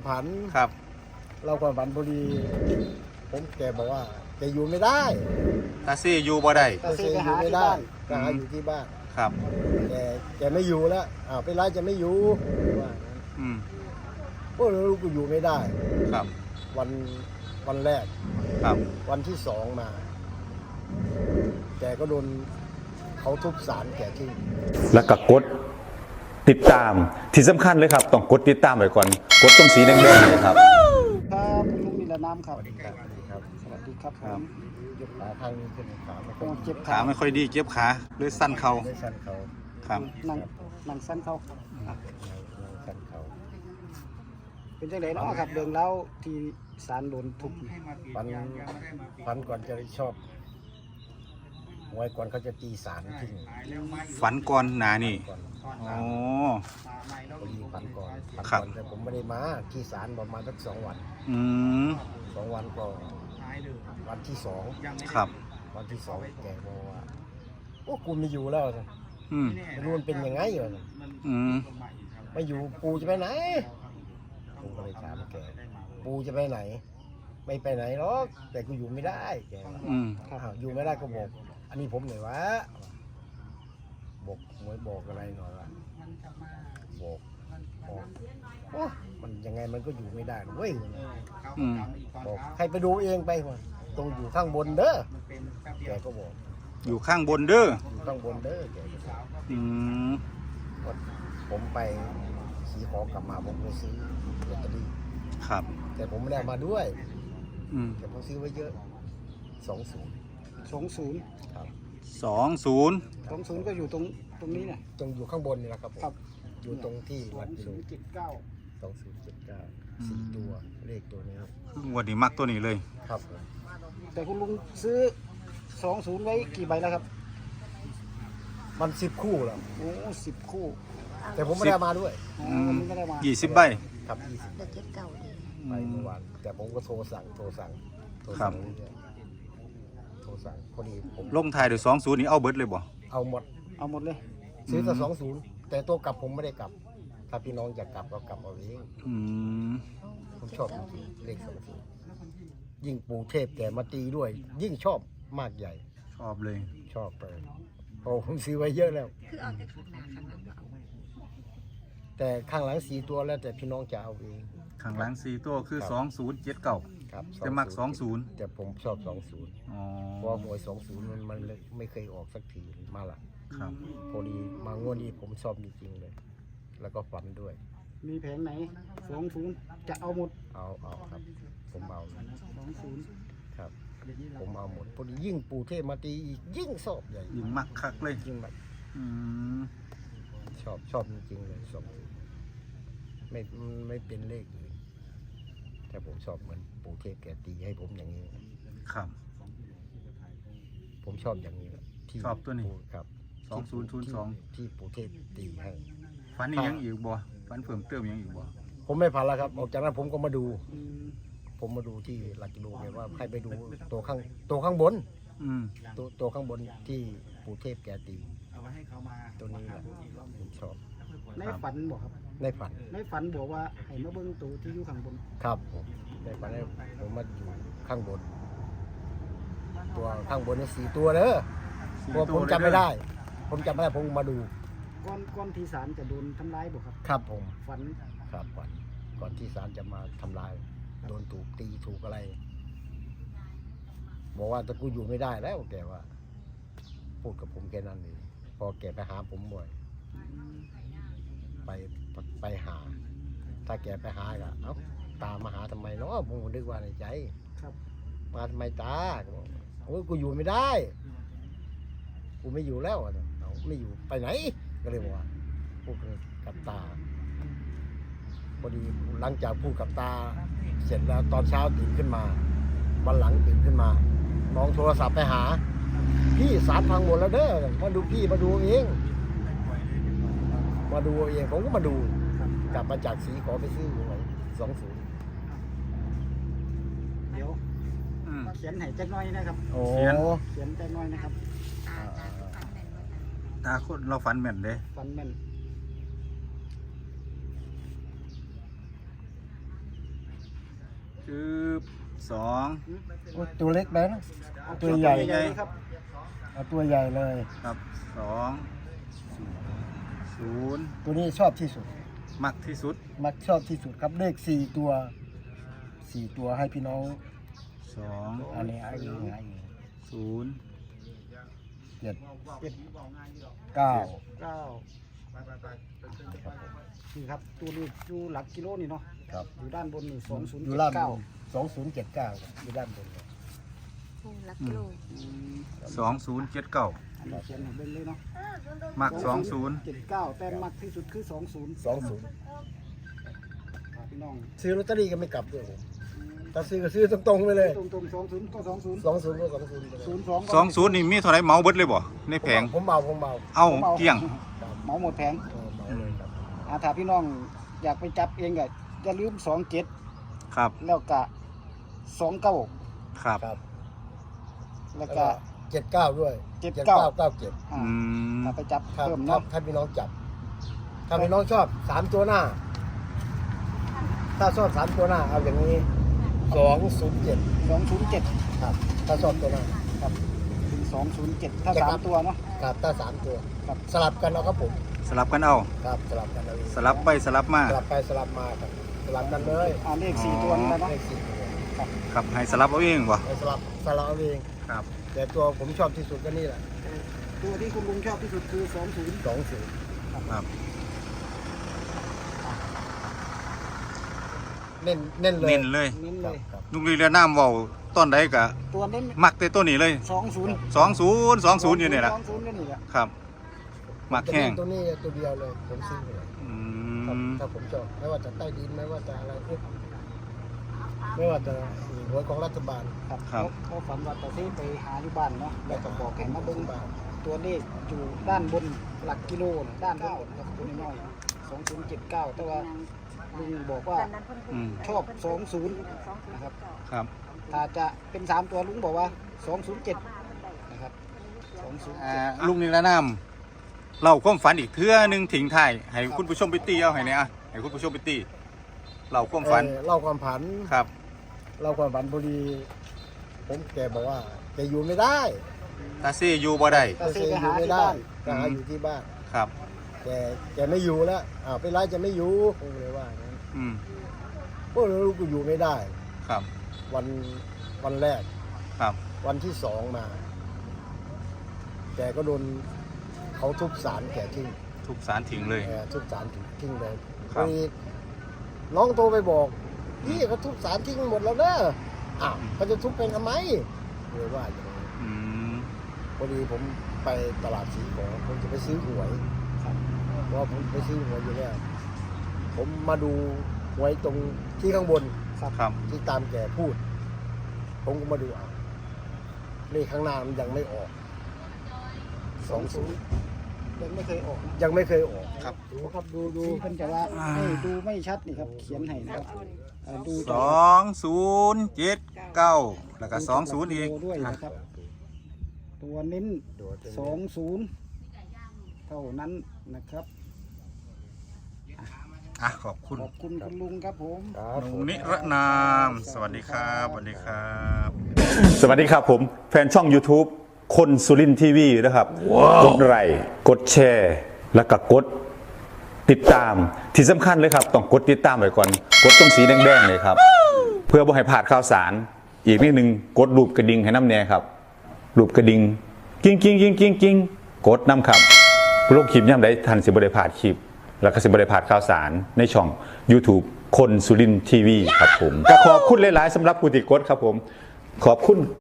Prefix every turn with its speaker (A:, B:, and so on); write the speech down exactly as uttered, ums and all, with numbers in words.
A: ผัน
B: ครับ
A: เราความฝันพอดีผมแกบอกว่าแกอยู่ไม่ได้
B: ตาซี่อยู่บ่ได้
A: ตาซี่อยู่ไม่ได้ก็หาอยู่ที่บ้าน
B: ครับ
A: แกแกไม่อยู่แล้วอ้าวเป็นไรจะไม่อยู่ว่า
B: อืม
A: โอ้ลูกกูอยู่ไม่ได้
B: ครับ
A: วันวันแรก
B: ครับ
A: วันที่สองมาแกก็โดนเขาทุบศาลแกทิ้ง
C: แล้วก็กดติดตามที่สำคัญเลยครับต้องกดติดตามไว้ก่อนกดตรงสีแดงๆเลยครับ
D: ครับคุณลุงนิรนามครับ
A: สวัสดีครับสวัสดีครับ
D: สวัสดีครับ
B: ครับ
A: ยกขาข้างนี้ขึ้นขาไม่ค่
D: โอ้
A: อย
D: เจ็บ
B: ขา
D: ขา
B: ไม่ค่อยดีเจ็บขาเลยสั้นเข่า
A: ได้สั้นเขา
B: ครับ
D: นั่งนั่งสั้นเขา
A: นั่งสั้นเขา
D: เป็นจังไดเนาะครับเรื่องเล่าที่ศาลโดนทุบ
A: ฟันฟันก่อนจะชอบหวยก่อนเขาจะตีศาลทิ้ง
B: ฝันก่อนหนานี่
A: ก่อน
B: อ๋อ
A: พอดีฟันก่อนฟัน
B: ครั
A: ก่
B: บ
A: อนแต่ผมไม่ได้มาที่ศาลประมาณสักสองวัน
B: อืม
A: สองวันก็วันที่สอง
B: ครับ
A: วันที่สองแกบอกว่าโอ้กูไม่อยู่แล้วนะ
B: อืม
A: ไม่รู้มันเป็นยังไงอยู่นะ
B: อืม
A: ไม่อยู่ปูจะไปไหนผมก็เลยถามแกปูจะไปไหน ไม่ไปไหนหรอกแต่กูอยู่ไม่ได้แกว่า
B: อืม
A: อ้าวอยู่ไม่ได้ก็บอกอันนี้ผมหน่อยวะบอกหวยบอกอะไรหน่อยวะบอกบอกโอ้มันยังไงมันก็อยู่ไม่ได้เว้ย
B: อืม
A: บอกให้ไปดูเองไปวะตรงอยู่ข้างบนเด้อแกก็บอก
B: อยู่ข้างบนเด้อ
A: อยู่ข้างบนเด้อแกก็บอก
B: อืม
A: ก็ผมไปสีขอกลับมาผมไปซื้อลอตเตอรี่
B: ครับ
A: แต่ผมไม่ได้เอามาด้วย
B: อืม
A: แต่ผมซื้อไว้เยอะสองศูนย์
D: สองศูนย์
A: ครับ
B: สองศูนย์
D: สองศูนย์ก็อยู่ตรงตรงนี้เนี่ย
A: ตรงอยู่ข้างบนนี่แหละครับผม
D: ครับ
A: อยู่ตรงที่
D: สอ
A: วัด
D: ง
A: กิโล
D: ศูนย์เจ็ดเก้า
A: สองศูนย์เจ็ดเก้าสี่ตัวเลขตัวนี้
B: งวดนี้มักตัวนี้เลย
A: ครับผม
D: แต่คุณลุงซื้อสองศูนย์ไว้กี่ใบแล้วครับ
A: มันสิบคู่แล้ว
D: โอ้สิบคู่
A: แต่ผมไม่ได้เอามาด้วย
D: อ๋อ
B: อืม
D: มันไม่ได้มา
B: ยี่สิบใบ
A: ครับยี่สิบ
E: เด็กเจ็ดเก่าดี
A: ไปเมื่อวานแต่ผมก็โทรสั่งโทรสั่งโทรสั่งเรื่อยๆโทรสั่งพอดีผม
B: ลงท้ายด้วยสองศูนย์นี่เอาเบิดเลยบ่
A: เอาหมด
D: เอาหมดเลย
A: ซื้อแต่สองศูนย์แต่ตัวกลับผมไม่ได้กลับ ถ้าพี่น้องอยากกลับก็กลับเอาเอง
B: อืม
A: ผมชอบจริงๆเลขสองศูนย์ยิ่งปู่เทพแกมาตีด้วย ยิ่งชอบมากใหญ่
B: ชอบเลย
A: ชอบเลยเพราะผมซื้อไว้เยอะแล้ว
E: คือเอาแต่ข้างหน้าข้างหลังเอา
A: แต่ข้างหลังสีตัวแล้วแต่พี่น้องจะเอาเอง
B: ข้างหลังสี่ตัวคือ
A: ครับ
B: สองศูนย์เจ็ดเก้า
A: ครับ
B: จะมักสองศูนย์
A: แต่ผมชอบสองศูนย์
B: อ๋อ
A: เพราะหวยสองศูนย์มันมันเลยไม่เคยออกสักทีมาละ
B: ครับ
A: พอดีมางวดนี้ผมชอบจริงๆเลย แล้วก็ฝันด้วย
D: มีแผงไหนสองศูนย์จะเอาหมด
A: เอาเอาครับ ผมเอา
D: สองศูนย์
A: ครับ ผมเอาหมดพอดียิ่งปู่เทพมาตีอีกยิ่งชอบใหญ่
B: ยิ่งมักคักเลย
A: ยิ่งแบบ
B: อืม
A: ชอบชอบจริงๆเลยสองศูนย์ไม่ไม่เป็นเลขอื่นแต่ผมชอบเหมือนปู่เทพแกตีให้ผมอย่างนี้
B: ครับ
A: ผมชอบอย่างนี้แหละที่
B: ชอบตัวนี้
A: ปู่ครับ
B: สองศูนย์ศูนย์สอง
A: ที่ปู่เทพตีให้
B: ฝันนี่ยังอีกบ่ฝันเพิ่มเติมยังอีกบ่
A: ผมไม่ผ่านแล้วครับออกจากนั้นผมก็มาดู
D: อืม
A: ผมมาดูที่หลักกิโลเนี่ยว่าให้ไปดูตัวข้างตัวข้างบน
B: อืม
A: ตัวตัวข้างบนที่ปู่เทพแกตีตัวนี้แหละผมชอบ
D: ในฝันบอกครับ
A: ในฝัน
D: ในฝันบอกว่าให้มาเบิ้งตัวที่อยู่ข้างบน
A: ครับผมในฝันเนี่ยผมมาอยู่ข้างบน ตัวข้างบนนี่สี่ตัวเด้อเพราะผมจำไม่ได้ ผมจำไม่ได้ผมมาดู
D: ก้อนก้อนที่ศาลจะโดนทำร้ายบอกครับ
A: ครับผม
D: ฝัน
A: ครับก่อนก่อนที่ศาลจะมาทำลาย โดนถูกตีถูกอะไร บอกว่าแต่กูอยู่ไม่ได้แล้วแกว่า พูดกับผมแค่นั้นเองพอแกไปหาผมบ่อย ไปไปหา ถ้าแกไปหาก็เอ้าตามมาหาทำไมเนาะผมนึกว่าในใจ
D: ครับ
A: มาทำไมตาโอ้ยกูอยู่ไม่ได้ กูไม่อยู่แล้วเอาไม่อยู่ไปไหน ก็เลยบอกว่าพูดกับตาพอดีหลังจากพูดกับตา เสร็จแล้วตอนเช้าตื่นขึ้นมาวันหลังตื่นขึ้นมาน้องโทรศัพท์ไปหา พี่สารพังหมดแล้วเด้อมาดูพี่มาดูเองมาดูเองผมก็มาดูกลับมาจากสีขอไปซื้อหวยสองศูนย์
D: เดี๋ยว
B: อืม
D: เขียนให้แจ็คน้อยนะครับ
A: โอ้
B: เขียน
D: เขียนแจ็คน้อยนะครับ
E: ตาตาตาแม่นบ่
B: ตาคนเราฝันแม่นเด้
D: ฝันแม่น
B: จืบสอง
A: โอ้ยตัวเล็กไปนะ
D: เอา
A: ตัวใหญ่
D: ใหญ่ครับ
A: เอาตัวใหญ่เลย
B: ครับสองศูนย์
A: ตัวนี้ชอบที่สุด
B: มักที่สุด
A: มักชอบที่สุดครับเลขสี่ตัวสี่ตัวให้พี่น้อง
B: สอง
A: อันนี้อันนี้อันนี้
B: ศูนย์
A: เจ็ด
D: เจ็ด
A: เก้า
D: เก้านี่ครับตัวนี้อยู่หลักกิโลนี่เนาะ
A: ครับ
D: อยู่ด้านบนนี่สองศูนย์
A: อยู่
D: เจ็ด
A: ล่าง
D: เก้า
A: สองศูนย์เจ็ดเก้าอยู่ด้านบนเลย
E: ผู้รักโลก
B: สองศูนย์เจ็ดเก้า
D: อันนี้เขียนให้เบิ่งเลยเนาะ
B: มักสองศูนย์
D: เจ็ดเก้าแต่มักที่สุดคือสองศูนย์
A: สองศูนย์
D: พี่น้อง
A: ซื้อลอตเตอรี่ก็ไม่กลับด้วยผมถ้าซื้อก็ซื้อตรงๆไปเลย
D: ตรงตรงสองศูนย์ก็สองศูนย์
A: สองศูนย์ก็สองศูนย์ไปเลย
D: ศูนย์สอง
B: สองศูนย์นี่มีเท่าไหรเหมาเบิดเลยบ่ในแผง
A: ผมเมาผมเมา
B: เอ้าเกลี้ยง
D: เหมาหมดแผง
A: เออเมาเลยครับ
D: อาถ้าพี่น้องอยากไปจับเองก็อย่าลืมสองเจ็ด
B: ครับ
D: แล้วก็สองเก้า
B: ครับ
A: ครับ
D: แล้
A: แล้ว ว
D: ก็
A: ก็เจ็ดเก้าด้วย
D: เจ็ดเก้า
A: เก้าเจ็ด
D: อ่า
B: อืม
D: ถ้าไปจับ
A: ถ้า
D: เพิ่ม
A: ถ้า
D: เนาะ
A: ถ้าพี่น้องจับ ถ้าพี่น้องชอบสามตัวหน้า ถ้าชอบสามตัวหน้าเอาอย่างนี้สองศูนย์เจ็ด
D: สองศูนย์เจ็ด
A: ครับ ถ้าชอบตัวหน้า
D: ครับถึงสองศูนย์เจ็ดถ้า
A: จะ
D: สา
A: ครั
D: ม
A: บ
D: ตัวเนาะ
A: ครับถ้าสามตัว
D: ครับ
A: สลับกันเอาครับผม
B: สลับกันเอา
A: ครับสลับกันเอาเอง
B: สลับไปสลับมา
A: สลับไปสลับมาครับสลับกันเลย
D: อ่าเลขสี่ตัวนี่แหละเนาะ
A: เลขสี่ตัว
B: ครับให้สลับเอาเองบ่
A: ไปสลับสลับเอาเอง
B: ครับ
A: แต่ตัวผมชอบที่สุดก็นี่แหละ
D: ตัวที่คุณลุงชอบที่สุดคือสองศูนย์
A: สองศูนย์
B: ครับ
A: เน้นเน้นเลย
B: เน้นเลย
D: เน้น
A: ค
D: เล
A: รับ
D: ย
A: ครับ
B: ลุงลีเรือน้ำเว้าต้นใดกะ
D: ตัวเน้น
B: มักแต่ตัวนี้เลย
D: สองศูนย์
B: สองศูนย์สองศูนย์อยู่นี่แหละ
D: สองศูนย์ก็นี่แหละ
B: ครับ มักแห้ง
A: ตัวนี้ตัวเดียวเลยผมซื้อเลย
B: อื
A: ครับ
B: ม
A: ถ้าผมชอบไม่ว่าจะใต้ดินไม่ว่าจะอะไรเอ๊ะไม่ว่าจะหวยของรัฐบาล
D: ครับเขาเขาฝันว่าตาซีไปหาอยู่บ้านเนาะแล้วก็บอกให้มาเบิ่ง
A: บ้าน
D: ตัวเลขอยู่ด้านบนหลักกิโลน่ะด้านบนครับตัวน้อยสองศูนย์เจ็ดเก้าแต่ว่าลุงบอกว่า
B: อืม
D: ชอบสองศูนย์นะครับ
B: ครับ
D: ถ้าจะเป็นสามตัวลุงบอกว่าสองศูนย์เจ็ดนะครับสองศูนย์
B: อ่า
D: เจ็ด
B: ลุงลีเรือน้ำเล่าความฝันอีกเทื่อหนึงทิ้งท้ายให้คุณผู้ชมไปตีเอาให้เนี่ยอะให้คุณผู้ชมไปตีเล่าความฝัน
A: เอ่อเล่าความผัน
B: ครับ
A: เล่าความผันพอดี ผมแกบอกว่าแกอยู่ไม่ได้
B: ตาซี่อยู่บ่ได้
A: แกอยู่ไม่ได้แกหาอยู่ที่บ้าน
B: ครับ
A: แกแกไม่อยู่แล้วอ้าวเป็นไรจะไม่อยู่ผมเลยว่างั้น
B: อืม
A: พวกเราลูกก็อยู่ไม่ได้
B: ครับ
A: วันวันแรก
B: ครับ
A: วันที่สองมา แกก็โดนเขาทุบสารแกทิ้ง
B: ทุกสารทิ้งเลย
A: แกทุบสารทิ้งเลย
B: ครับ
A: พอดีน้องโทรไปบอกพี่เขาทุบสารทิ้งหมดแล้วเด้ออ้าวเขาจะทุบเป็นทำไมเลยว่าอย่างนี้
B: อืม
A: พอดีผมไปตลาดสีขอผมจะไปซื้อหวยเพราะว่าผมไปซื้อหวยอยู่เนี่ยผมมาดูหวยตรงที่ข้างบน
B: ครับ
A: ที่ตามแกพูด ผมก็มาดูอ่ะเลขข้างหน้ามันยังไม่ออกสองศูนย์
D: ยังไม่เคยออกนะ
A: ยังไม่เคยออก
B: ครับ
A: ดูครับดูดู
D: ที่เพิ่นจะว่าให้ดูไม่ชัดนี่ครับเขียนให้นะครับเอ่อดู
B: สองศูนย์เจ็ดเก้าแล้วก็สองศูนย์อีก
D: ดูด้วยนะครับ ตัวเน้น
A: ดู
D: สองศูนย์เท่านั้นนะครับ
B: อ่ะขอบคุณ
D: ขอบคุณคุณลุงครับผม
A: ครับ
B: ลุงนิรนาม สวัสดีครับสวัสดีครับ
C: สวัสดีครับผม แฟนช่อง YouTube คนสุรินทีวีนะครับ กดไลค์กดแชร์ แล้วก็กดติดตามที่สำคัญเลยครับ ต้องกดติดตามไว้ก่อน กดตรงสีแดงๆเลยครับ เพื่อบ่ให้พลาดข่าวสาร อีกนิดนึงกดรูปกระดิ่งให้น้ำแน่ครับ รูปกระดิ่งกิ้งกิ้งกิ้งกิ้งกิ้งกดน้ำครับโลกคลิปย่ำได้ทันสิบริพลาดคลิป แล้วก็สิบริพลาดข่าวสารในช่อง YouTube คนสุรินทีวีครับผมก็ขอบคุณหลายๆสำหรับผู้ติดกดครับผมขอบคุณ